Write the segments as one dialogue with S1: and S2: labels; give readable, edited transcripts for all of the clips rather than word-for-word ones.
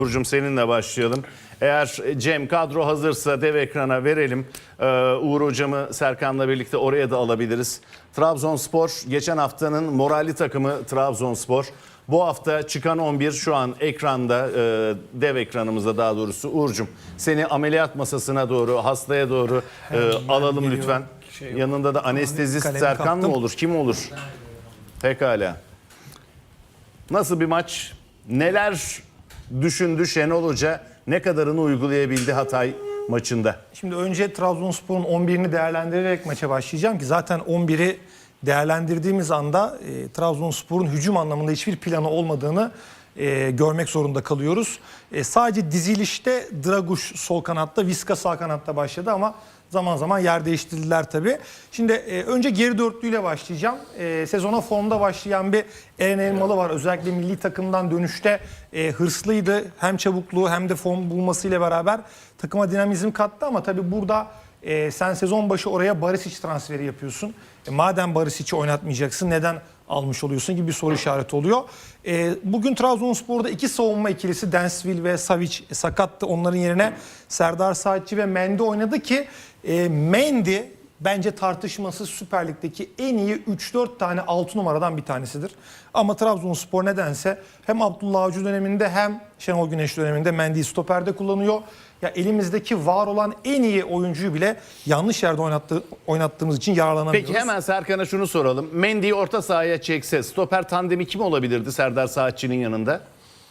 S1: Burcum seninle başlayalım. Eğer Cem kadro hazırsa dev ekrana verelim. Uğur hocamı Serkan'la birlikte oraya da alabiliriz. Trabzonspor geçen haftanın moralli takımı Trabzonspor. Bu hafta çıkan 11 şu an ekranda, dev ekranımızda daha doğrusu. Uğur'cum seni ameliyat masasına doğru, hastaya doğru alalım lütfen. Yanında da anestezist Serkan mı olur, kim olur? Pekala. Nasıl bir maç? Neler düşündü Şenol Hoca, ne kadarını uygulayabildi Hatay maçında?
S2: Şimdi önce Trabzonspor'un 11'ini değerlendirerek maça başlayacağım ki zaten 11'i değerlendirdiğimiz anda Trabzonspor'un hücum anlamında hiçbir planı olmadığını görmek zorunda kalıyoruz. Sadece dizilişte Draguş sol kanatta, Viska sağ kanatta başladı ama zaman zaman yer değiştirdiler tabii. Şimdi önce geri dörtlüyle başlayacağım. Sezona formda başlayan bir Eren Elmalı var. Özellikle milli takımdan dönüşte hırslıydı. Hem çabukluğu hem de form bulmasıyla beraber takıma dinamizm kattı ama tabii burada sen sezon başı oraya Barisic transferi yapıyorsun. Madem Barisic'i oynatmayacaksın neden almış oluyorsun gibi bir soru işareti oluyor. Bugün Trabzonspor'da iki savunma ikilisi Densville ve Savic sakattı. Onların yerine Serdar Saatçi ve Mendy oynadı ki Mendy bence tartışmasız Süper Lig'deki en iyi 3-4 tane 6 numaradan bir tanesidir. Ama Trabzonspor nedense hem Abdullah Avcı döneminde hem Şenol Güneş döneminde Mendy'yi stoperde kullanıyor. Ya elimizdeki var olan en iyi oyuncuyu bile yanlış yerde oynattığımız için yararlanamıyoruz.
S1: Peki hemen Serkan'a şunu soralım. Mendy'yi orta sahaya çekse stoper tandemi kim olabilirdi Serdar Saatçı'nın yanında?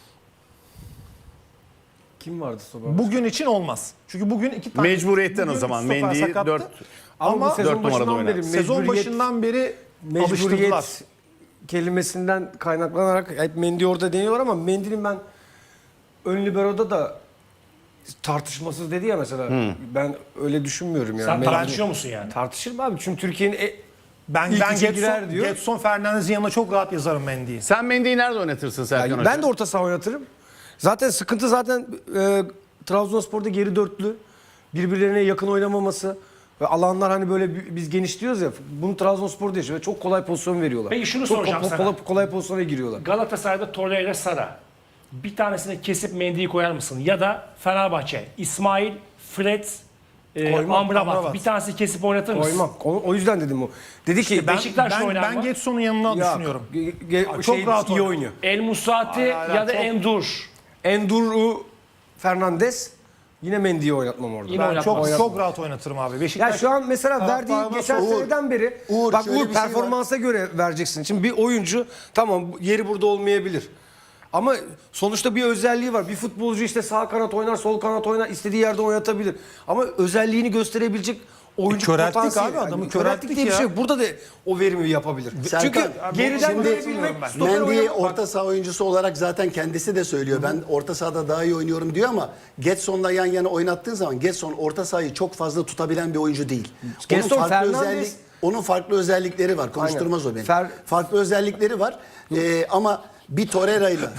S3: Kim vardı stoper?
S2: Bugün için olmaz. Çünkü bugün iki tane...
S1: Mecburiyetten o
S2: bugün
S1: zaman
S2: stoper
S1: Mendy'yi
S2: sakattı.
S1: 4
S3: Ama bu sezon
S1: numarada
S3: başından
S1: oynar.
S3: beri
S2: Sezon başından beri alıştırdılar.
S3: mecburiyet kelimesinden kaynaklanarak hep Mendy orada deniyorlar ama Mendy'nin ben ön libero'da da tartışmasız dedi ya mesela. Ben öyle düşünmüyorum yani.
S4: Sen
S3: Mendy-
S4: tartışıyor musun yani?
S3: Tartışır mı abi? Çünkü Türkiye'nin
S2: Ben
S3: İlk üçe girer
S2: Getson,
S3: diyor.
S2: Getson Fernandez'in yanına çok rahat yazarım Mendy'yi.
S1: Sen Mendy'yi nerede oynatırsın Serkan
S3: yani
S1: Hoca?
S3: ben de orta saha oynatırım. Zaten sıkıntı Trabzonspor'da geri dörtlü. Birbirlerine yakın oynamaması. Ve alanlar hani böyle biz geniş diyoruz ya. Bunu Trabzonspor'da yaşıyor ve çok kolay pozisyon veriyorlar.
S4: Peki şunu
S3: çok
S4: soracağım sana.
S3: kolay pozisyona giriyorlar.
S4: Galatasaray'da Torreira Sara. Bir tanesini kesip Mendy'yi koyar mısın? Ya da Fenerbahçe, İsmail, Fred, Amrabat.
S2: Amrabat.
S4: Bir tanesi kesip oynatır mısın?
S3: Koymam. O yüzden dedim o. Dedi ki
S4: Beşiktaş'ta oynar
S2: Ben
S4: mı?
S2: Getson'un yanına düşünüyorum.
S3: çok
S2: rahat
S3: iyi
S2: oynuyor.
S3: oynuyor.
S4: El Musati ya da Endur.
S3: Enduru Fernandez yine Mendy'yi oynatmam orada.
S4: Yine
S2: Ben
S4: oynatmaz.
S2: çok rahat oynatırım abi.
S3: Ya
S2: Beşiktaş
S3: şu an mesela verdiği
S2: taraftarına
S3: geçen
S2: sor.
S3: seneden beri
S5: Uğur,
S3: bak
S5: şöyle
S3: Uğur
S5: bir şey var.
S3: performansa göre vereceksin. Şimdi bir oyuncu tamam yeri burada olmayabilir. Ama sonuçta bir özelliği var. Bir futbolcu işte sağ kanat oynar, sol kanat oynar, istediği yerde oynatabilir. Ama özelliğini gösterebilecek oyuncu
S2: körelttik
S3: potansiyeli.
S2: abi, adamı
S3: körelttik
S2: körelttik
S3: diye bir
S2: ya.
S3: şey yok. Burada da o verimi yapabilir.
S5: Serkan,
S3: Çünkü
S5: abi,
S3: geriden
S5: şimdi
S3: görebilmek, stoper
S5: Mendy'yi
S3: oynamak.
S5: orta saha oyuncusu olarak zaten kendisi de söylüyor. Ben orta sahada daha iyi oynuyorum diyor ama Getson'la yan yana oynattığın zaman Getson orta sahayı çok fazla tutabilen bir oyuncu değil.
S3: Getson, Fernandes-
S5: Onun farklı özellikleri var. Konuşturmaz o beni. Farklı özellikleri var. Ama bir Torreira'yla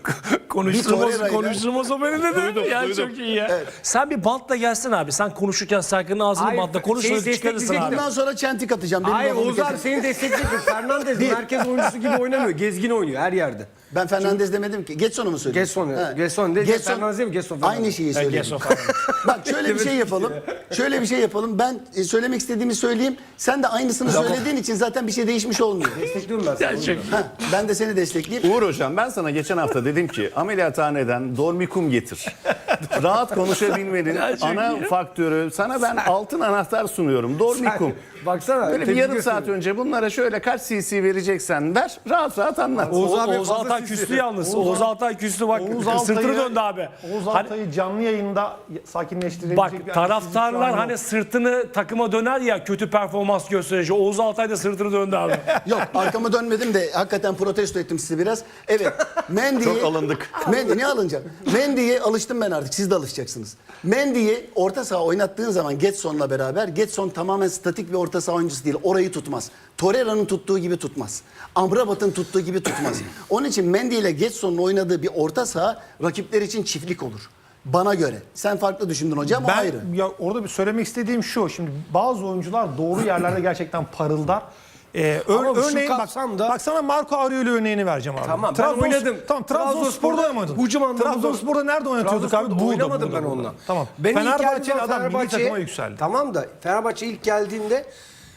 S6: Konuşturmaz o beni de
S1: Duydum,
S6: ya
S1: duydum.
S6: çok iyi ya. Sen bir bantla gelsin abi. Sen konuşurken Serkan'ın ağzını
S3: Hayır,
S6: bantla konuş
S3: şey
S6: öyle çıkarırsın
S3: destekleyecek
S6: abi.
S5: bundan sonra çentik atacağım. Benim
S3: Hayır
S5: lafımı
S3: Oğuz abi
S5: kesin.
S3: seni destekleyecek. Fernandez merkez oyuncusu gibi oynamıyor. Gezgin oynuyor her yerde.
S5: Ben Fernandez demedim ki. Getson'u mu söyledin?
S3: Getson değil. Fernandez değil mi? Getson Fernandez.
S5: Aynı şeyi söyledim.
S4: Getson falan.
S5: Bak şöyle bir şey yapalım. Şöyle bir şey yapalım. Ben söylemek istediğimi söyleyeyim. Sen de aynısını söylediğin için zaten bir şey değişmiş olmuyor.
S3: Destekliyorum ben seni.
S5: Ben de seni destekleyeyim.
S1: Uğur hocam ben sana geçen hafta dedim ki ameliyathaneden dormikum getir. Rahat konuşabilmenin ana faktörü. Sana ben altın anahtar sunuyorum. Dormikum.
S3: Baksana.
S1: Böyle bir
S3: tebrik
S1: yarım saat
S3: ediyorum.
S1: önce bunlara şöyle kaç cc vereceksen ver. Rahat rahat anlat.
S3: Oğuz abi
S6: Oğuz
S3: fazla
S6: Altay
S3: sisi.
S6: küstü yalnız. Oğuz Altay küstü bak. Sırtını döndü abi.
S2: Oğuz
S6: Hani-
S2: Altay'ı canlı yayında sakinleştirebilecek
S6: Bak
S2: bir anestezist şu an
S6: taraftarlar
S2: yok.
S6: hani sırtını takıma döner ya kötü performans gösterici. Oğuz Altay da sırtını döndü abi.
S5: Yok arkamı dönmedim de hakikaten protesto ettim sizi biraz. Evet. Mendy'yi...
S1: Çok alındık.
S5: Mendy ne alınacak? Mendy'ye alıştım ben artık. Siz de alışacaksınız. Mendy'yi orta saha oynattığın zaman Getson'la beraber Getson tamamen statik bir orta saha oyuncusu değil. Orayı tutmaz. Torreira'nın tuttuğu gibi tutmaz. Amrabat'ın tuttuğu gibi tutmaz. Onun için Mendy ile Getson'un oynadığı bir orta saha rakipler için çiftlik olur. Bana göre. Sen farklı düşündün hocam o ayrı.
S2: Ya orada bir söylemek istediğim şu. Şimdi bazı oyuncular doğru yerlerde gerçekten parıldar.
S3: Ama şu
S2: Örneğin
S3: kapsamda-
S2: bak sana Marco Aurelio örneğini vereceğim abi.
S3: Tamam, ben oynadım.
S2: Tamam, Trabzonspor'da oynadın.
S3: hücum anlamında-
S2: Trabzonspor'da nerede oynatıyorduk abi?
S3: Trabzonspor'da
S2: Burada,
S3: oynamadım
S2: burada,
S3: ben
S2: burada.
S3: onunla.
S2: Tamam.
S3: Benim ilk
S2: Fenerbahçeli
S3: geldiğim
S2: adam milli
S3: Fenerbahçe'ye-
S2: takıma yükseldi.
S3: Tamam da Fenerbahçe ilk geldiğinde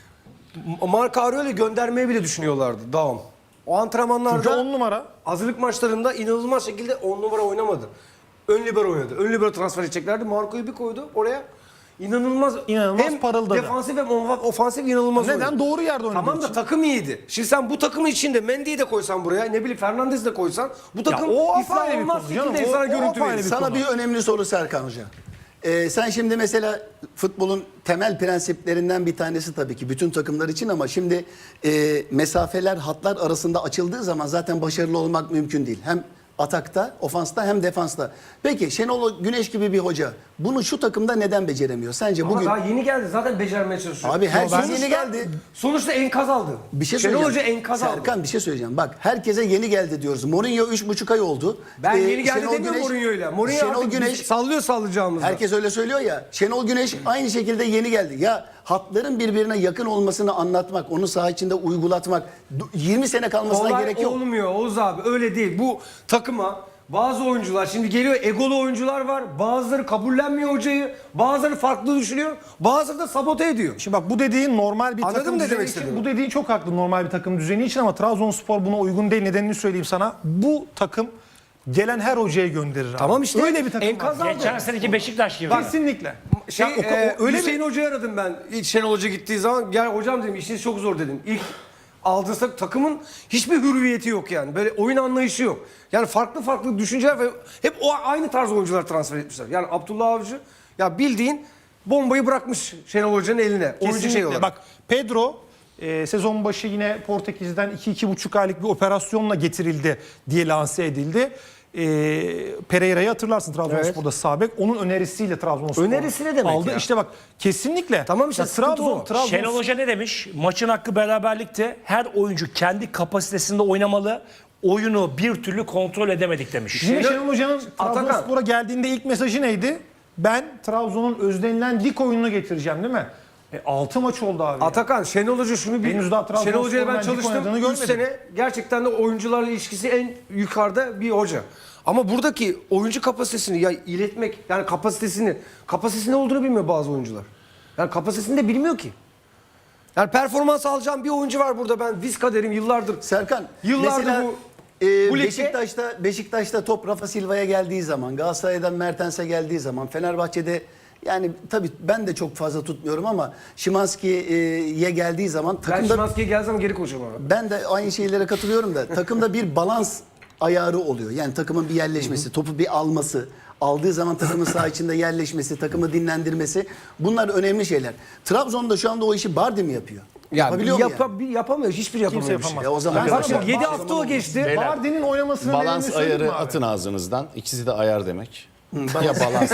S3: Marco Aurelio'yu göndermeyi bile düşünüyorlardı. Daum. O antrenmanlarda
S2: Çünkü 10 numara.
S3: hazırlık maçlarında inanılmaz şekilde 10 numara oynamadı. Ön libero oynadı. Ön libero transfer edeceklerdi. Marco'yu bir koydu oraya. İnanılmaz
S2: İnanılmaz parıldadı.
S3: defansif hem ofansif inanılmaz
S2: Neden?
S3: oynadı.
S2: Doğru yerde oynadığı
S3: Tamam da
S2: için.
S3: takım iyiydi. Şimdi sen bu takımın içinde Mendy'yi de koysan buraya, ne bileyim Fernandez'i de koysan bu takım
S2: o apayrı
S3: iflah
S2: bir
S3: olmaz
S2: konu canım.
S3: şekilde
S2: O
S3: sana
S2: apayrı
S3: görüntü
S2: bir
S3: verir.
S5: Sana
S2: konu.
S5: bir önemli soru Serkan Hoca. Sen şimdi mesela futbolun temel prensiplerinden bir tanesi tabii ki bütün takımlar için ama şimdi mesafeler, hatlar arasında açıldığı zaman zaten başarılı olmak mümkün değil. Hem atakta, ofansta hem defansta. Peki Şenol Güneş gibi bir hoca bunu şu takımda neden beceremiyor? Sence
S3: Ama
S5: bugün...
S3: daha yeni geldi zaten becermeye çalışıyor.
S5: Abi herkes
S3: Sonuçta-
S5: yeni geldi.
S3: Sonuçta enkaz aldı.
S5: Bir şey
S3: Şenol
S5: söyleyeceğim.
S3: Hoca enkaz aldı.
S5: Serkan bir şey söyleyeceğim. Bak herkese yeni geldi diyoruz. Mourinho 3,5 ay oldu.
S3: Ben yeni geldi
S5: Şenol
S3: demiyorum Mourinho'yla. Mourinho
S5: Şenol
S3: artık
S5: Güneş
S3: sallıyor sallayacağımızda.
S5: herkes öyle söylüyor ya. Şenol Güneş aynı şekilde yeni geldi. Ya hatların birbirine yakın olmasını anlatmak, onu saha içinde uygulatmak 20 sene kalmasına
S3: Olay
S5: gerek yok.
S3: olmuyor Oğuz abi, öyle değil. Bu takıma bazı oyuncular şimdi geliyor, egolu oyuncular var. Bazıları kabullenmiyor hocayı. Bazıları farklı düşünüyor. Bazıları da sabote ediyor.
S2: Şimdi bak bu dediğin normal bir
S3: Anladın
S2: takım
S3: mı ne
S2: düzeni
S3: demek
S2: için.
S3: istediğimi?
S2: Bu dediğin çok haklı normal bir takım düzeni için ama Trabzonspor buna uygun değil. Nedenini söyleyeyim sana. Bu takım gelen her hocaya gönderir abi.
S3: Tamam işte,
S2: Öyle bir takım
S3: enkaz
S2: var.
S3: aldı.
S4: Geçen seneki Beşiktaş gibi.
S2: Kesinlikle.
S3: Şey,
S2: Ya öyle
S3: Hüseyin Hoca'yı aradım ben. İlk Şenol Hoca gittiği zaman. Gel hocam dedim, işiniz çok zor dedim. İlk aldığınız takımın hiçbir hürriyeti yok yani. Böyle oyun anlayışı yok. Yani farklı düşünceler ve hep o aynı tarz oyuncular transfer etmişler. Yani Abdullah Avcı ya bildiğin bombayı bırakmış Şenol Hoca'nın eline. Oyuncu şey
S2: Kesinlikle.
S3: olarak.
S2: Bak Pedro sezon başı yine Portekiz'den 2-2,5 aylık bir operasyonla getirildi diye lanse edildi. Pereira'yı hatırlarsın Trabzonspor'da sağ bek. Onun önerisiyle Trabzonspor
S3: Önerisi ne demek
S2: aldı.
S3: ya?
S2: İşte bak kesinlikle.
S3: Tamam işte,
S2: Ya
S3: sıkıntı o.
S4: Şenol Hoca ne demiş? Maçın hakkı beraberlikte. Her oyuncu kendi kapasitesinde oynamalı. Oyunu bir türlü kontrol edemedik demiş.
S2: Yine Şenol Hoca'nın
S3: Atakan.
S2: Trabzonspor'a geldiğinde ilk mesajı neydi? Ben Trabzon'un özlenilen lig oyununu getireceğim değil mi? 6 maç oldu abi.
S3: Atakan, Şenol Hoca şunu bir...
S2: Henüz daha Trabzonspor'un
S3: Şenol Hoca'yla ben
S2: ben lig
S3: çalıştım.
S2: oynadığını
S3: 3
S2: görmedim.
S3: sene gerçekten de oyuncularla ilişkisi en yukarıda bir hoca. Ama buradaki oyuncu kapasitesini ya iletmek, yani kapasitesi ne olduğunu bilmiyor bazı oyuncular. Yani kapasitesini de bilmiyor ki. Yani performans alacağım bir oyuncu var burada, ben Vizca derim yıllardır.
S5: Serkan,
S3: Yıllardır
S5: mesela
S3: bu ligde-
S5: Beşiktaş'ta top Rafa Silva'ya geldiği zaman, Galatasaray'dan Mertens'e geldiği zaman, Fenerbahçe'de yani tabii ben de çok fazla tutmuyorum ama Szymański'ye geldiği zaman
S3: Ben
S5: takımda
S3: Szymański'ye gelsem geri koşarım abi.
S5: ben de aynı şeylere katılıyorum da takımda bir balans ayarı oluyor. Yani takımın bir yerleşmesi, topu bir alması, aldığı zaman takımın saha içinde yerleşmesi, takımı dinlendirmesi, bunlar önemli şeyler. Trabzon'da şu anda o işi Bardi mi yapıyor? Yapabiliyor mu yani?
S3: Yapamıyor. Hiçbir yapamıyor.
S2: Kimse
S3: bir şey.
S2: yapamaz.
S5: Ya o zaman
S3: Bak
S5: Arkadaşlar,
S3: şimdi 7 hafta o geçti.
S1: Beyler,
S2: Bardi'nin oynamasının
S1: Balans
S2: nedenini söyleyeyim mi
S1: ayarı
S2: abi?
S1: atın ağzınızdan. İkisi de ayar demek. Ya balans.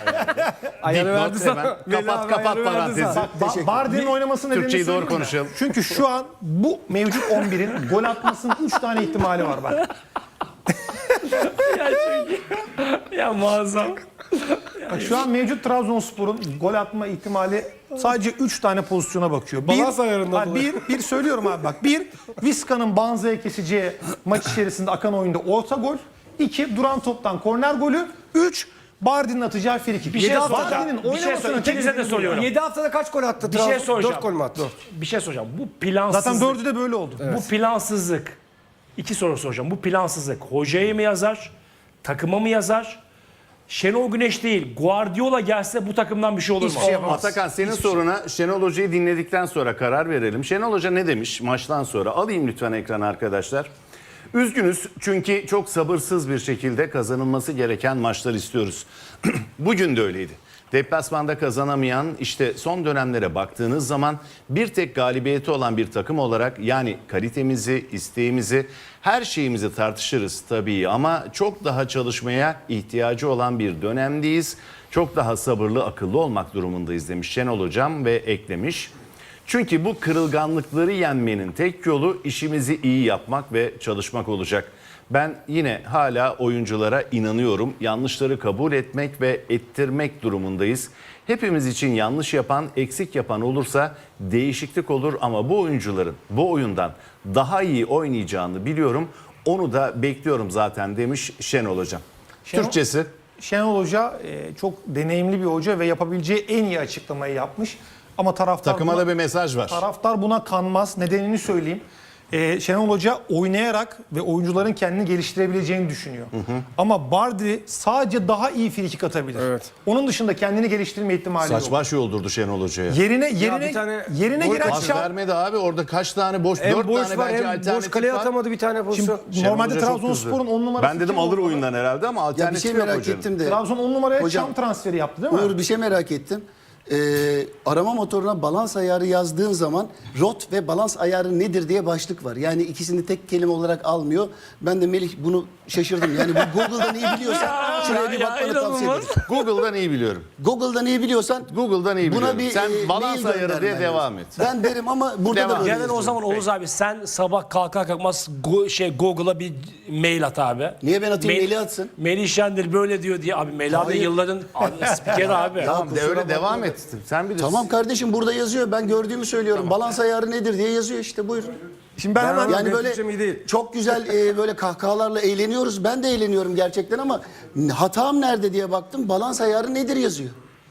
S3: Ayarı
S1: Dipnot
S3: verdi sana.
S1: hemen.
S3: Belli
S1: Kapat
S3: abi, ayarı verdi
S1: parantezi.
S3: sana.
S2: Bardi'nin oynamasının nedenini
S1: Türkçeyi doğru
S2: söyleyeyim mi?
S1: konuşalım.
S2: Çünkü şu an bu mevcut 11'in gol atmasının 3 tane ihtimali var bak.
S4: Ya çünkü ya muazzam.
S2: Bak şu an mevcut Trabzonspor'un gol atma ihtimali sadece 3 tane pozisyona bakıyor.
S3: Balans ayarından dolayı.
S2: Bir söylüyorum abi bak. Bir, Vizca'nın Banza'ya keseceği maç içerisinde akan oyunda orta gol. 2, duran toptan korner golü. 3, Bardi'nin atacağı frikik.
S4: Bir şey
S2: Bardi'nin
S4: soracağım. Bir şey
S2: oynamasının
S4: soracağım.
S2: tek
S4: İkinize de
S2: nedeni bu.
S4: soruyorum.
S3: 7 haftada kaç gol attı?
S4: Bir şey
S3: Trabzon?
S4: soracağım.
S3: 4 gol mü attı?
S4: Bir şey soracağım. Bu plansızlık.
S2: Zaten 4'ü de böyle oldu.
S4: Bu plansızlık. 2 soru soracağım. Bu plansızlık hocaya mı yazar? Takıma mı yazar? Şenol Güneş değil, Guardiola gelse bu takımdan bir şey olur mu?
S3: Hiçbir şey yapamaz.
S1: Atakan senin soruna Şenol Hoca'yı dinledikten sonra karar verelim. Şenol Hoca ne demiş maçtan sonra? Alayım lütfen ekrana arkadaşlar. Üzgünüz çünkü çok sabırsız bir şekilde kazanılması gereken maçlar istiyoruz. Bugün de öyleydi. Deplasmanda kazanamayan, işte son dönemlere baktığınız zaman bir tek galibiyeti olan bir takım olarak, yani kalitemizi, isteğimizi, her şeyimizi tartışırız tabii ama çok daha çalışmaya ihtiyacı olan bir dönemdeyiz. Çok daha sabırlı, akıllı olmak durumundayız demiş Şenol Hocam ve eklemiş. Çünkü bu kırılganlıkları yenmenin tek yolu işimizi iyi yapmak ve çalışmak olacak. Ben yine hala oyunculara inanıyorum. Yanlışları kabul etmek ve ettirmek durumundayız. Hepimiz için yanlış yapan, eksik yapan olursa değişiklik olur ama bu oyuncuların bu oyundan daha iyi oynayacağını biliyorum. Onu da bekliyorum zaten demiş Şenol Hocam. Türkçesi?
S2: Şenol Hoca çok deneyimli bir hoca ve yapabileceği en iyi açıklamayı yapmış. Ama taraftar
S1: Takıma
S2: buna,
S1: da bir mesaj var.
S2: taraftar buna kanmaz. Nedenini söyleyeyim. Şenol Hoca oynayarak ve oyuncuların kendini geliştirebileceğini düşünüyor. Ama Bardi sadece daha iyi frikik atabilir.
S3: Evet.
S2: Onun dışında kendini geliştirme ihtimali yok.
S1: Saçma şey oldurdu Şenol Hoca'ya.
S3: bir tane
S2: Yerine
S3: gol
S2: giren
S1: Pas
S2: Şam.
S1: vermedi abi, orada kaç tane boş,
S3: Hem
S1: 4
S3: boş
S1: tane
S3: var
S1: bence
S3: hem boş
S1: alternatif
S3: kaleye
S1: var.
S3: atamadı bir tane pozisyon.
S1: Şenol
S2: Normalde
S1: Hoca çok
S2: Trabzonspor'un
S1: kızdı.
S2: 10 numarası
S1: Ben dedim
S2: kim
S1: alır
S2: olmalı?
S1: oyundan herhalde ama
S5: Ya bir
S1: alternatif
S5: şey
S1: yok
S5: merak
S1: hocanın.
S5: ettim de.
S2: Trabzon 10 numaraya
S5: Hocam,
S2: Şam transferi yaptı değil mi?
S5: Uğur bir şey merak ettim. Arama motoruna balans ayarı yazdığın zaman rot ve balans ayarı nedir diye başlık var. Yani ikisini tek kelime olarak almıyor. Ben de Melih bunu şaşırdım. Yani bu Google'dan iyi biliyorsan şuraya bir bakmanı tavsiye ederim.
S1: Google'dan iyi biliyorum.
S5: Google'dan iyi biliyorsan
S1: Google'dan iyi biliyorum.
S5: buna bir
S1: Sen balans
S5: mail
S1: ayarı diye
S5: göndermen
S1: devam
S5: lazım.
S1: et.
S5: Ben derim ama burada
S1: Devam.
S5: da böyle
S6: Genel o
S5: yazıyor.
S6: zaman Oğuz abi sen sabah kalkar kalkmaz Google'a bir mail at abi.
S5: Niye ben atayım, Melih atsın?
S6: Melih Şendil böyle diyor diye abi Melih abi
S5: Hayır.
S6: yılların abi, spikeri abi.
S1: Tamam de
S5: kusura
S1: öyle
S5: bakma.
S1: devam et. Sen bilirsin.
S5: Tamam kardeşim, burada yazıyor. Ben gördüğümü söylüyorum. Balans ayarı nedir diye yazıyor işte, buyurun.
S2: Şimdi ben hemen
S5: Yani
S3: Benim
S5: böyle
S3: Türkçem iyi değil.
S5: çok güzel böyle kahkahalarla eğleniyoruz. Ben de eğleniyorum gerçekten ama hatam nerede diye baktım. Balans ayarı nedir yazıyor.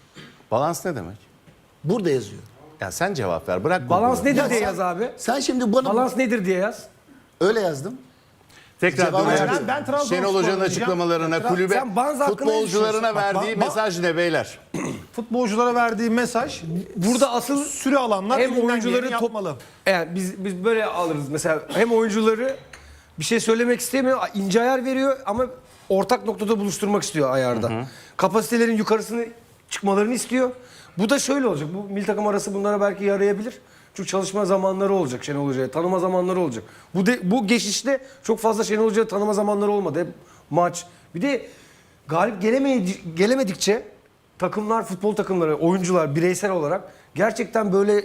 S1: Balans ne demek?
S5: Burada yazıyor.
S1: Ya sen cevap ver. Bırak
S3: Balans
S1: Google'ı.
S3: nedir
S5: Ya
S3: diye
S5: sen-
S3: yaz abi.
S5: Sen şimdi bana
S3: Balans nedir diye yaz.
S5: öyle yazdım.
S1: Tekrar
S5: Cevabı
S1: dönelim.
S5: verdim.
S2: Ben Trabzonspor
S1: Şenol Hoca'nın
S2: diyeceğim.
S1: açıklamalarına, kulübe,
S3: sen Banz hakkında ne
S1: futbolcularına
S3: düşünüyorsun?
S1: verdiği mesaj ne beyler?
S2: futbolculara verdiği mesaj
S3: Burada asıl
S2: süre alanlar
S3: hem
S2: elinden
S3: oyuncuları
S2: geleni yapmalı.
S3: Yani biz böyle alırız mesela, hem oyuncuları bir şey söylemek istemiyor, ince ayar veriyor ama ortak noktada buluşturmak istiyor ayarda. Kapasitelerin yukarısını çıkmalarını istiyor. Bu da şöyle olacak. Bu milli takım arası bunlara belki yarayabilir. Çünkü çalışma zamanları olacak Şenol Hoca'ya, tanıma zamanları olacak. Bu geçişte çok fazla Şenol Hoca'ya tanıma zamanları olmadı. Hep maç. Bir de galip gelemedikçe takımlar, futbol takımları, oyuncular bireysel olarak gerçekten böyle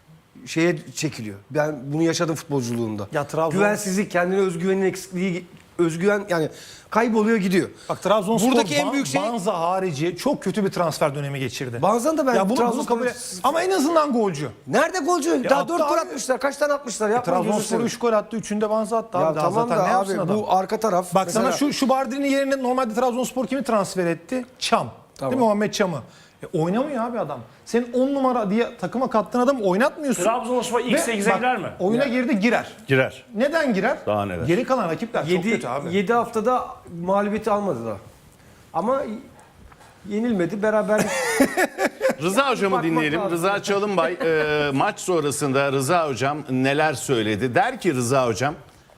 S3: şeye çekiliyor. Ben bunu yaşadım futbolculuğumda.
S2: Ya Trabzon-
S3: Güvensizlik, kendine özgüvenin eksikliği, özgüven yani kayboluyor gidiyor.
S2: Bak Trabzonspor
S3: buradaki en büyük şey
S2: Banza harici çok kötü bir transfer dönemi geçirdi.
S3: Banza'nın da ben
S2: ya bunu
S3: Trabzonspor-
S2: kabul ama en azından golcü.
S3: nerede golcü? Daha
S2: attı
S3: 4 gol
S2: abi.
S3: atmışlar. Kaç tane atmışlar? Yapmayın gözünü
S2: Trabzonspor
S3: seveyim.
S2: 3 gol attı, 3'ünde Banza attı
S3: Ya
S2: abi. Daha
S3: tamam
S2: zaten
S3: da
S2: ne yapsın
S3: abi
S2: adam?
S3: bu arka taraf.
S2: Bak
S3: mesela,
S2: sana şu Bardi'nin yerine normalde Trabzonspor kimi transfer etti? Çam.
S3: Tamam.
S2: Değil mi, Muhammed Çam'ı? Oynamıyor abi adam. Senin 10 numara diye takıma kattığın adamı oynatmıyorsun.
S6: Trabzonspor ilk
S2: Ve
S6: 8'e
S2: bak,
S6: girer mi?
S2: Oyuna girdi, girer.
S1: Girer.
S2: Neden girer?
S1: Daha neler.
S2: Geri kalan rakipler çok kötü abi.
S3: 7 haftada mağlubiyeti almadı da. Ama yenilmedi. Beraber
S1: Rıza Hocam'ı
S3: Bakmak
S1: dinleyelim.
S3: lazım.
S1: Rıza Çalınbay maç sonrasında Rıza Hocam neler söyledi? Der ki Rıza Hocam,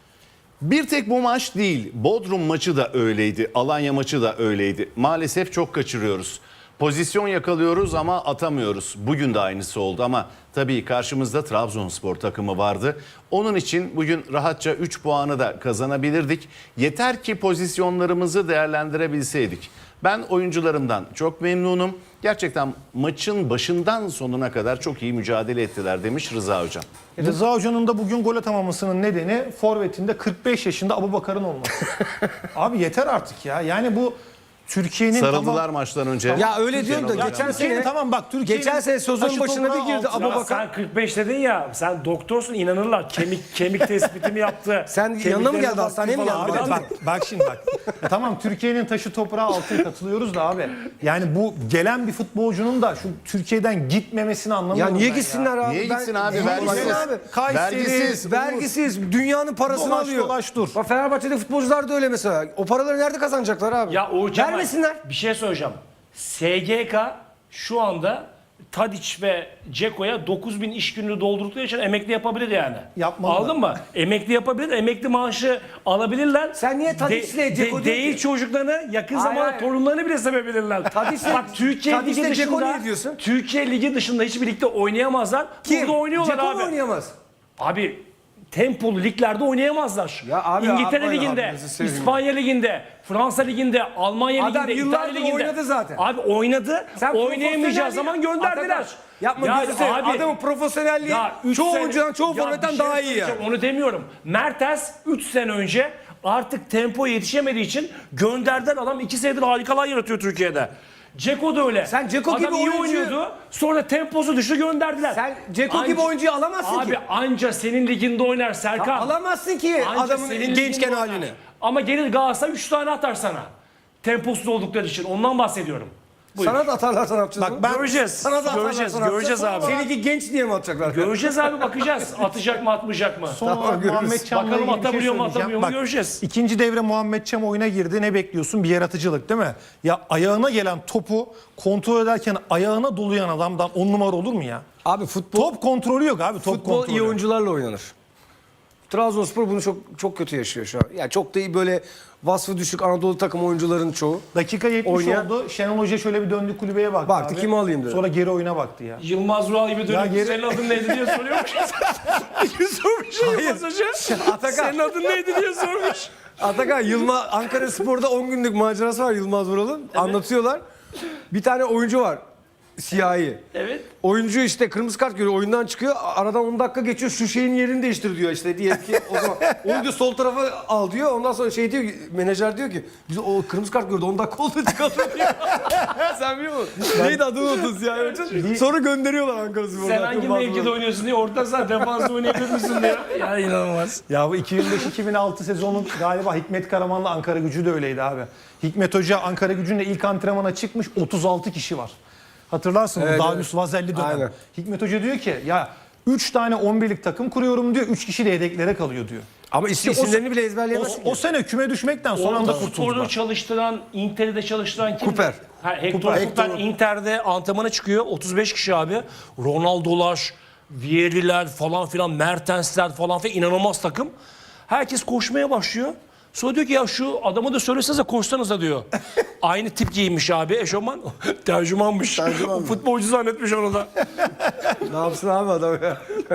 S1: bir tek bu maç değil, Bodrum maçı da öyleydi, Alanya maçı da öyleydi. Maalesef çok kaçırıyoruz. Pozisyon yakalıyoruz ama atamıyoruz. Bugün de aynısı oldu ama tabii karşımızda Trabzonspor takımı vardı. Onun için bugün rahatça 3 puanı da kazanabilirdik. Yeter ki pozisyonlarımızı değerlendirebilseydik. Ben oyuncularımdan çok memnunum. Gerçekten maçın başından sonuna kadar çok iyi mücadele ettiler demiş Rıza Hocam.
S2: Rıza Hoca'nın da bugün gol atamamasının nedeni forvetinde 45 yaşında Abubakar'ın olması. Abi yeter artık ya. Yani bu Türkiye'nin
S1: Sarıldılar maçtan önce.
S3: ya öyle diyorum da
S1: Şenol
S3: geçen
S1: Hocam.
S3: sene
S2: tamam bak Türkiye'nin
S3: geçen sene sezonun
S2: taşı
S3: başına bir
S2: toprağı
S3: girdi
S2: altına-
S6: Ya
S3: Abubakar.
S6: sen 45 dedin ya, sen doktorsun inanırlar. Kemik tespitimi yaptı.
S3: Sen yanına mı
S6: Kemiklerine
S3: geldi,
S6: baktı
S3: hastaneye mi
S6: falan.
S3: geldi?
S6: Abi,
S2: Bak şimdi bak. Tamam Türkiye'nin taşı toprağı altına katılıyoruz da abi. Yani bu gelen bir futbolcunun da şu Türkiye'den gitmemesini
S3: Ya
S2: anlamıyorum
S3: niye
S2: ben
S3: gitsinler abi?
S1: Niye gitsin abi?
S3: Niye
S1: Vergisiz.
S3: gitsin abi?
S2: Kayseri,
S1: Vergisiz.
S3: Vergisiz. Dünyanın parasını
S2: Dolaş,
S3: alıyor.
S2: dolaş, dur.
S3: Bak Fenerbahçe'de futbolcular da öyle mesela. O paraları nerede kazanacaklar abi?
S6: Ya Uğur Kemal,
S3: vermesinler.
S6: bir şey söyleyeceğim. SGK şu anda Tadiç ve Ceko'ya 9.000 iş gününü doldurdukları için emekli yapabilir yani.
S2: Yapmalılar.
S6: Aldın mı? Emekli yapabilir, emekli maaşı alabilirler.
S3: Sen niye Tadiç'le Dzeko diyorsun
S6: değil
S3: ki?
S6: çocuklarını, yakın
S3: Hayır,
S6: zamanda
S3: hayır.
S6: torunlarını bile sevebilirler.
S3: Tadiç'le-
S6: Türkiye
S3: Tadiç'le
S6: Ligi
S3: Dzeko
S6: dışında,
S3: niye diyorsun?
S6: Türkiye Ligi dışında hiçbir ligde oynayamazlar.
S3: Kim?
S6: Burada oynuyorlar
S3: Dzeko
S6: abi.
S3: mu oynayamaz?
S6: Abi tempolu liglerde oynayamazlar.
S3: Ya abi,
S6: İngiltere
S3: yapmayın
S6: Ligi'nde,
S3: abi, gözünü seveyim.
S6: İspanya Ligi'nde, Fransa Ligi'nde, Almanya
S3: Adam
S6: Ligi'nde,
S3: yıllardır
S6: İtalya Ligi'nde.
S3: oynadı zaten.
S6: Abi oynadı.
S3: Sen
S6: Oynayamayacağı
S3: profesyonel
S6: zaman
S3: değil-
S6: gönderdiler.
S3: Atakan, yapma
S6: Ya
S3: gözünü seveyim.
S6: abi-
S3: Adamın profesyonelliği
S6: Ya üç
S3: çoğu
S6: sene-
S3: oyuncudan, çoğu
S6: Ya
S3: forvetten
S6: bir şey
S3: daha iyi ya.
S6: söyleyeceğim, onu demiyorum. Mertens 3 sene önce artık tempo yetişemediği için gönderden adam 2 senedir harikalar yaratıyor Türkiye'de. Ceko da öyle.
S3: Sen Dzeko
S6: adam
S3: gibi
S6: iyi
S3: oyuncuyu-
S6: oynuyordu. Sonra temposu düştü gönderdiler.
S3: Sen Dzeko
S6: Anca-
S3: gibi oyuncuyu alamazsın
S6: Abi
S3: ki.
S6: anca senin liginde oynar Serkan.
S3: Alamazsın ki
S6: Anca
S3: adamın
S6: senin
S3: gençken
S6: liginde oynar.
S3: halini.
S6: Ama gelir Galatasaray 3 tane atar sana. Temposuz oldukları için. Ondan bahsediyorum. Buyur.
S3: Sana da atarlarsa ne yapacağız?
S2: Bak ben
S6: Göreceğiz.
S3: Sana da
S6: Göreceğiz.
S3: atarlarsa ne
S6: Göreceğiz
S3: yapacağız?
S6: abi.
S3: Seninki genç diye mi atacaklar?
S6: Göreceğiz abi, bakacağız. Atacak mı atmayacak mı?
S2: Son olarak
S3: görürüz.
S2: Muhammed Çam'la
S6: Bakalım
S2: ilgili bir şey
S6: atabiliyor mu,
S2: söyleyeceğim.
S6: atamıyor mu göreceğiz.
S2: İkinci devre Muhammed Çam oyuna girdi. Ne bekliyorsun? Bir yaratıcılık değil mi? Ya ayağına gelen topu kontrol ederken ayağına dolayan adamdan 10 numara olur mu ya?
S3: Abi futbol
S2: Top kontrolü yok abi. Top
S3: futbol
S2: kontrolü.
S3: iyi oyuncularla oynanır. Trabzonspor bunu çok kötü yaşıyor şu an. Yani çok da iyi böyle vasfı düşük Anadolu takım oyuncuların çoğu.
S2: Dakika 70
S3: Oynayan-
S2: oldu. Şenol Hoca şöyle bir döndü kulübeye baktı.
S3: Baktı,
S2: abi.
S3: kimi alayım dedi.
S2: Sonra geri oyuna baktı ya.
S6: Yılmaz Vural gibi
S2: Ya
S6: dönüp
S2: geri-
S6: senin adın neydi diye soruyormuş. sormuş Yılmaz Hoca.
S3: Atakan.
S6: Senin adın neydi diye sormuş.
S3: Atakan Yılmaz Ankara Spor'da 10 günlük macerası var Yılmaz Vural'ın. Anlatıyorlar. Bir tane oyuncu var. Siyahi.
S6: Evet.
S3: Oyuncu işte kırmızı kart görüyor, oyundan çıkıyor. Aradan 10 dakika geçiyor. Şu şeyin yerini değiştir diyor işte diye ki o zaman onu diyor sol tarafa al diyor. Ondan sonra şey diyor ki, menajer diyor ki biz o kırmızı kart gördü 10 dakika oldu çıkalım diyor. Sen biliyor musun? Neydi adını unutun Siyahi Hoca? Sonra gönderiyorlar Ankara Spor'dan.
S6: Sen hangi mevkide oynuyorsun diye orta saha defansı oynayabilir misin diye. Ya inanılmaz.
S2: Ya bu 2005-2006 sezonun galiba Hikmet Karaman'la Ankara Gücü de öyleydi abi. Hikmet Hoca Ankara Gücü'nde ilk antrenmana çıkmış, 36 kişi var. Hatırlarsın
S3: Evet,
S2: Darius Vazelli dönem.
S3: Aynen.
S2: Hikmet Hoca diyor ki ya 3 tane 11'lik takım kuruyorum diyor. 3 kişi de yedeklere kalıyor diyor.
S3: Ama isimlerini bile ezberleyemezsin.
S2: O sene küme düşmekten son anda
S6: Orada sporunu
S2: kurtuldular.
S6: çalıştıran, Inter'de çalıştıran kim?
S3: Cooper.
S6: Hector Cooper Inter'de antrenmana çıkıyor. 35 kişi abi. Ronaldo'lar, Vieri'ler falan filan, Mertens'ler falan filan, inanılmaz takım. Herkes koşmaya başlıyor. Sonra diyor ki ya şu adamı da söylesenize koşsanıza diyor. Aynı tip giymiş abi eşofman. Tercümanmış.
S5: Tercüman mı?
S6: Futbolcu zannetmiş onu da.
S3: Ne yapsın abi adam ya?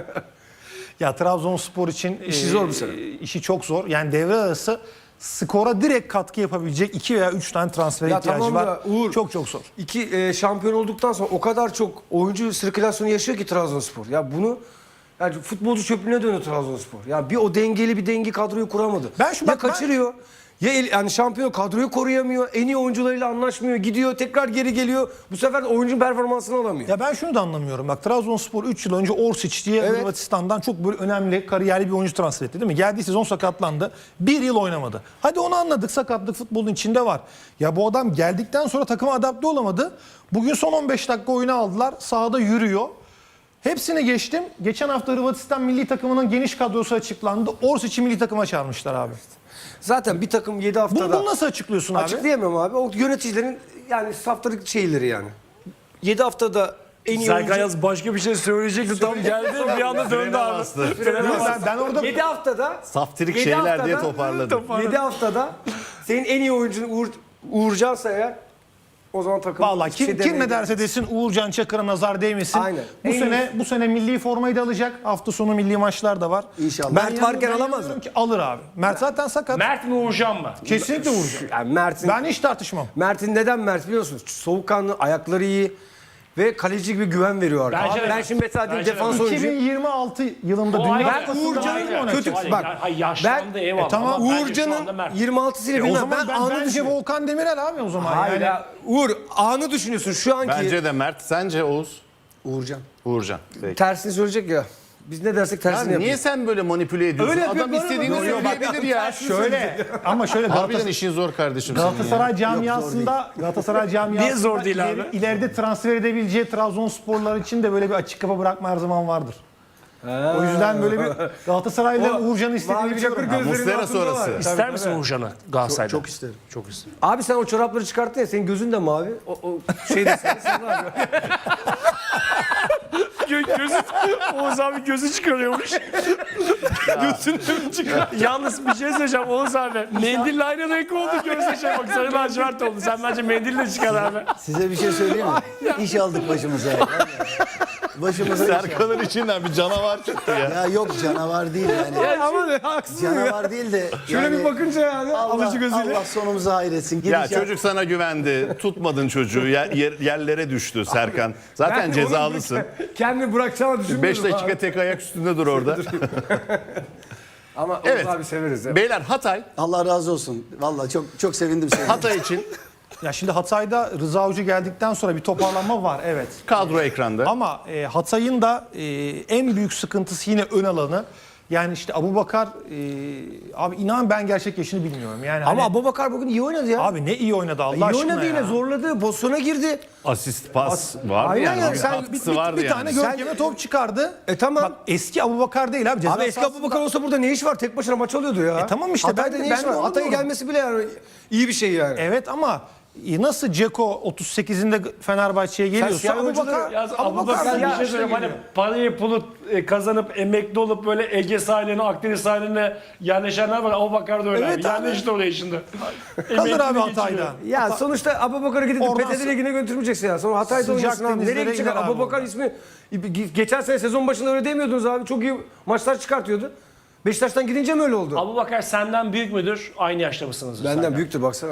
S2: Ya Trabzonspor için
S3: İşi zor bir sene.
S2: işi çok zor. Yani devre arası skora direkt katkı yapabilecek 2 veya 3 tane transfer
S3: Ya
S2: ihtiyacı
S3: tamam
S2: var.
S3: da Uğur-
S2: Çok zor.
S3: Şampiyon olduktan sonra o kadar çok oyuncu sirkülasyonu yaşıyor ki Trabzonspor. Ya bunu yani futbolcu çöplüğüne dönüyor Trabzonspor. Ya bir o dengeli bir dengi kadroyu kuramadı.
S2: Ben şu-
S3: ya
S2: bak ben-
S3: kaçırıyor. Ya yani şampiyon kadroyu koruyamıyor. En iyi oyuncularıyla anlaşmıyor. Gidiyor tekrar geri geliyor. Bu sefer de oyuncu performansını alamıyor.
S2: Ya ben şunu da anlamıyorum. Bak Trabzonspor 3 yıl önce Orsic diye
S3: Evet.
S2: Hırvatistan'dan çok böyle önemli kariyerli bir oyuncu transfer etti değil mi? Geldiği sezon sakatlandı. 1 yıl oynamadı. Hadi onu anladık, sakatlık futbolun içinde var. Ya bu adam geldikten sonra takıma adapte olamadı. Bugün son 15 dakika oyunu aldılar. Sahada yürüyor. Hepsini geçtim. Geçen hafta Hırvatistan milli takımının geniş kadrosu açıklandı. Orsic'i milli takıma çağırmışlar abi.
S3: Zaten bir takım 7 haftada...
S2: Bunu nasıl açıklıyorsun abi?
S3: Açıklayamam abi. O yöneticilerin yani saftarık şeyleri yani. 7 haftada en iyi
S6: Serkan
S3: oyuncu...
S6: Yaz başka bir şey söyleyecekti, tam geldi bir anda döndü abi.
S2: Ben orada
S3: 7 haftada...
S1: Saftirik
S3: 7
S1: şeyler diye
S3: haftada-
S1: toparladı.
S3: 7 haftada senin en iyi oyuncun Uğurcan'sa eğer o zaman takım
S2: Vallahi
S3: hiçbir
S2: kim ne
S3: demeyecek.
S2: derse desin Uğurcan Çakır'a nazar değmesin.
S3: Aynen.
S2: Bu sene milli formayı da alacak. Hafta sonu milli maçlar da var.
S5: İnşallah.
S3: Mert varken alamaz mı?
S2: inanıyorum ki alır abi. Mert zaten sakat.
S6: Mert mi Uğurcan mı?
S2: Kesinlikle Uğurcan.
S3: Yani
S2: Ben hiç tartışmam.
S3: Mert'in neden Mert biliyor musun? Soğukkanlı, ayakları iyi ve kaleci gibi güven veriyor arkadaşlar.
S6: Bence de.
S3: Ben şimdi mesela
S6: Bence de.
S3: defans oyuncu.
S2: 2026 yılında
S6: O
S2: Dünya
S6: ayrı.
S2: Kupası'nda
S3: Uğurcan'ın
S2: aynı oynatacak.
S3: kötü-
S6: Hayır,
S3: bak,
S6: yaşlandı
S3: ben-
S6: eyvallah.
S2: tamam,
S6: ama bence şu anda
S3: Uğurcan'ın
S6: Mert.
S3: 26'sıyla
S2: O
S3: bilmem
S2: zaman
S3: ben anı
S2: bence
S3: düşünüyorum.
S2: Volkan Demirel abi o zaman.
S3: Hayır
S2: yani.
S3: ya Uğur anı düşünüyorsun şu anki
S1: Bence de Mert. Sence Oğuz?
S5: Uğurcan.
S1: Uğurcan. Peki.
S3: tersini söyleyecek ya. Biz ne dersek
S1: Ya
S3: tersini
S1: niye
S3: yapıyoruz.
S1: sen böyle manipüle ediyorsun?
S3: Öyle yapıyor,
S1: Adam
S3: böyle
S1: istediğini
S3: yapıyor.
S1: söyleyebilir ya.
S2: Şöyle ama şöyle
S1: Harbiden işin zor kardeşim senin ya.
S2: Galatasaray camiasında
S6: Niye zor değil abi?
S2: ileride transfer edebileceği Trabzonsporlar için de böyle bir açık kapı bırakma her zaman vardır. O yüzden böyle bir Galatasaray'la Uğurcan'ı istediğini
S3: Mavi
S2: biliyorum.
S3: Çakır
S1: Ha,
S3: gözlerinin
S1: Muslera
S3: altında
S1: sonrası.
S3: var.
S6: İster misin Uğurcan'ı Galatasaray'da?
S5: Çok isterim.
S6: Çok isterim.
S3: Abi sen o çorapları çıkarttın ya senin gözün de mavi. O şeyde sen var.
S6: Gözü, Oğuz abi gözü çıkarıyormuş. Gözünü mü çıkar? Yalnız bir şey söyleyeceğim Oğuz abi. Mendille aynı renk oldu gözü şey bak sarı lacivert oldu. Sen bence mendille çıkar abi.
S5: Size bir şey söyleyeyim mi? İş aldık başımıza. ya. Başımıza iş aldık.
S1: Serkan'ın içinden bir canavar çıktı ya.
S5: Ya yok canavar değil yani.
S3: Ama ne haksız ya.
S5: Canavar değil de
S3: Şöyle
S5: yani
S3: bir bakınca yani alıcı gözüyle.
S5: Allah sonumuzu hayretsin.
S1: Ya
S5: Gidişat-
S1: çocuk sana güvendi. Tutmadın çocuğu. Yerlere düştü Serkan. Zaten
S3: Ben
S1: cezalısın.
S3: Kendini bırakacağını düşünmüyorum
S1: 5 dakika
S3: abi.
S1: tek ayak üstünde dur orada.
S3: Ama
S1: Evet.
S3: Oğuz abi severiz ya.
S1: Beyler Hatay.
S5: Allah razı olsun. Vallahi çok çok sevindim seni.
S1: Hatay için
S2: Ya şimdi Hatay'da Rıza Hoca geldikten sonra bir toparlanma var, evet.
S1: kadro ekranda.
S2: Ama Hatay'ın da en büyük sıkıntısı yine ön alanı. Yani işte Abubakar, abi inan ben gerçek yaşını bilmiyorum. Yani
S3: Ama
S2: hani,
S3: Abubakar bugün iyi oynadı ya.
S2: abi ne iyi oynadı Allah
S3: iyi
S2: aşkına
S3: oynadı yine,
S2: ya.
S3: zorladı, pozisyona girdi.
S1: Asist, pas vardı
S3: Aynen
S1: yani.
S3: yani.
S1: Bir
S3: Sen
S1: katkısı vardı
S2: bir
S1: yani.
S2: tane Görkem'e top çıkardı.
S3: Tamam.
S2: Bak eski Abubakar değil abi. Ceza
S3: Abi eski
S2: sahasında-
S3: Abubakar olsa burada ne iş var? Tek başına maç alıyordu ya.
S2: tamam işte,
S3: Hatay'da
S2: ben de-
S3: ne
S2: ben
S3: iş
S2: de
S3: var?
S2: onu
S3: Hatay'a
S2: diyorum.
S3: gelmesi bile yani iyi bir şey yani.
S2: Evet ama nasıl Ceko 38'inde Fenerbahçe'ye geliyorsa
S3: siyah oyuncuları-
S2: Abubakar,
S4: Ya Abubakar
S3: ya
S4: bir şey
S3: işte
S4: söyleyeyim. Hani
S3: geliyor.
S4: parayı pulu kazanıp emekli olup böyle Ege sahiline, Akdeniz sahiline yerleşenler var. Abubakar da öyle.
S2: Evet
S4: abi.
S2: abi.
S4: Yerleşti oraya şimdi.
S2: kalır abi
S4: Emekliliği
S2: Hatay'da.
S4: geçiriyor.
S3: Ya sonuçta Abubakar'ı gidip
S2: Oradan
S3: PTT Ligi'ne götürmeyeceksin ya. Sonra Hatay'da
S2: Sıcak
S3: oynarsın abi.
S2: denizlere
S3: Nereye gidecek?
S2: gider abi
S3: Abubakar
S2: orada.
S3: ismi geçen sene sezon başında öyle demiyordunuz abi. Çok iyi maçlar çıkartıyordu. Beşiktaş'tan gidince mi öyle oldu?
S4: Abubakar senden büyük müdür? Aynı yaşta mısınız?
S3: Benden büyüktür baksana.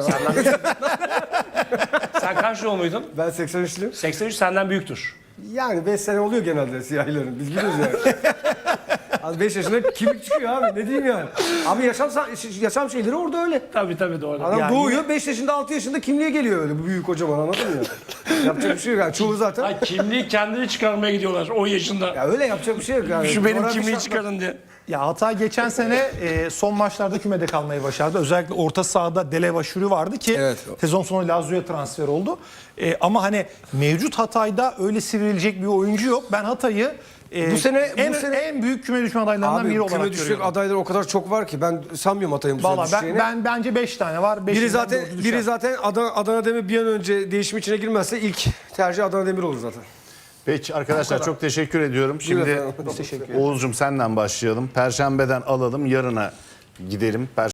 S4: Sen kaç doğumluydun?
S3: Ben 83'lüyüm.
S4: 83 senden büyüktür.
S3: Yani 5 sene oluyor genelde siyahilerin. Biz biliyoruz yani. Az 5 yaşında kimlik çıkıyor abi. Ne diyeyim yani. Abi yaşam şeyleri orada öyle.
S4: Tabii doğru.
S3: Adam
S2: Yani
S3: doğuyor 5 yaşında 6 yaşında kimliğe geliyor öyle. Bu büyük kocaman, anladın mı ya? Yapacak bir şey yok yani. Çoğu zaten.
S4: Ay, kimliği kendini çıkarmaya gidiyorlar 10 yaşında.
S3: Ya öyle yapacak bir şey yok yani.
S4: Şu benim
S3: Coğrafi
S4: kimliği
S3: şartlar-
S4: çıkarın diye.
S2: Ya Hatay geçen sene son maçlarda kümede kalmayı başardı. Özellikle orta sahada Deleva Şuri vardı ki
S3: Evet.
S2: sezon sonu Lazio'ya transfer oldu. Ama hani mevcut Hatay'da öyle sivrilecek bir oyuncu yok. Ben Hatay'ı
S3: Bu sene-
S2: en büyük küme düşme adaylarından biri
S3: Abi
S2: olarak
S3: küme düşecek
S2: görüyorum.
S3: adaylar o kadar çok var ki ben sanmıyorum Hatay'ın bu sene
S2: Valla
S3: düşeceğini.
S2: ben bence 5 tane var.
S3: Biri zaten Adana Demir bir an önce değişim içine girmezse ilk tercih Adana Demir olur zaten.
S1: Peki arkadaşlar çok teşekkür ediyorum. Şimdi
S3: efendim.
S2: teşekkür
S1: Oğuzcum senden başlayalım. Perşembeden alalım, yarına gidelim.